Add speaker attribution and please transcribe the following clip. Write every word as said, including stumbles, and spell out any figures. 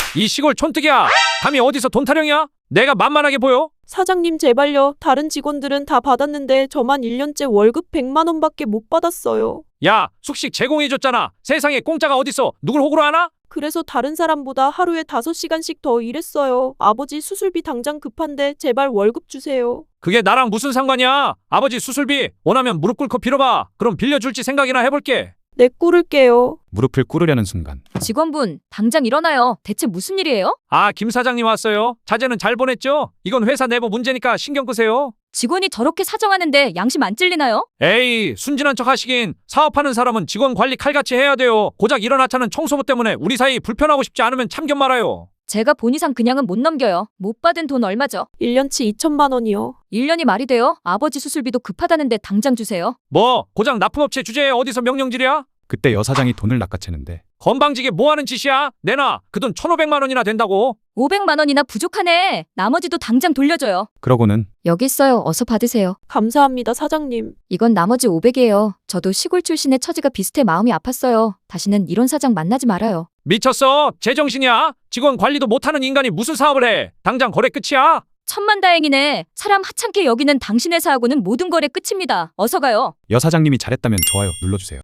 Speaker 1: 이 시골 촌뜨기야. 감히 어디서 돈 타령이야? 내가 만만하게 보여?
Speaker 2: 사장님 제발요. 다른 직원들은 다 받았는데 저만 일 년째 월급 백만 원밖에 못 받았어요.
Speaker 1: 야, 숙식 제공해줬잖아. 세상에 공짜가 어딨어. 누굴 호구로 하나?
Speaker 2: 그래서 다른 사람보다 하루에 다섯 시간씩 더 일했어요. 아버지 수술비 당장 급한데 제발 월급 주세요.
Speaker 1: 그게 나랑 무슨 상관이야? 아버지 수술비 원하면 무릎 꿇고 빌어봐. 그럼 빌려줄지 생각이나 해볼게.
Speaker 2: 내 꿇을게요.
Speaker 3: 무릎을 꿇으려는 순간
Speaker 4: 직원분, 당장 일어나요. 대체 무슨 일이에요?
Speaker 1: 아, 김 사장님 왔어요. 자재는 잘 보냈죠? 이건 회사 내부 문제니까 신경 끄세요.
Speaker 4: 직원이 저렇게 사정하는데 양심 안 찔리나요?
Speaker 1: 에이, 순진한 척 하시긴. 사업하는 사람은 직원 관리 칼같이 해야 돼요. 고작 이런 하찮은 청소부 때문에 우리 사이 불편하고 싶지 않으면 참견 말아요.
Speaker 4: 제가 본 이상 그냥은 못 넘겨요. 못 받은 돈 얼마죠?
Speaker 2: 일 년치 이천만 원이요.
Speaker 4: 일 년이 말이 돼요? 아버지 수술비도 급하다는데 당장 주세요.
Speaker 1: 뭐 고작 납품업체 주제에 어디서 명령질이야?
Speaker 3: 그때 여사장이 돈을 낚아채는데
Speaker 1: 건방지게 뭐하는 짓이야? 내놔. 그 돈 천오백만 원이나 된다고.
Speaker 4: 오백만 원이나 부족하네. 나머지도 당장 돌려줘요.
Speaker 3: 그러고는
Speaker 4: 여기 있어요. 어서 받으세요.
Speaker 2: 감사합니다, 사장님.
Speaker 4: 이건 나머지 오백이에요. 저도 시골 출신의 처지가 비슷해 마음이 아팠어요. 다시는 이런 사장 만나지 말아요.
Speaker 1: 미쳤어? 제정신이야? 직원 관리도 못하는 인간이 무슨 사업을 해? 당장 거래 끝이야?
Speaker 4: 천만다행이네. 사람 하찮게 여기는 당신 회사하고는 모든 거래 끝입니다. 어서 가요.
Speaker 3: 여사장님이 잘했다면 좋아요 눌러주세요.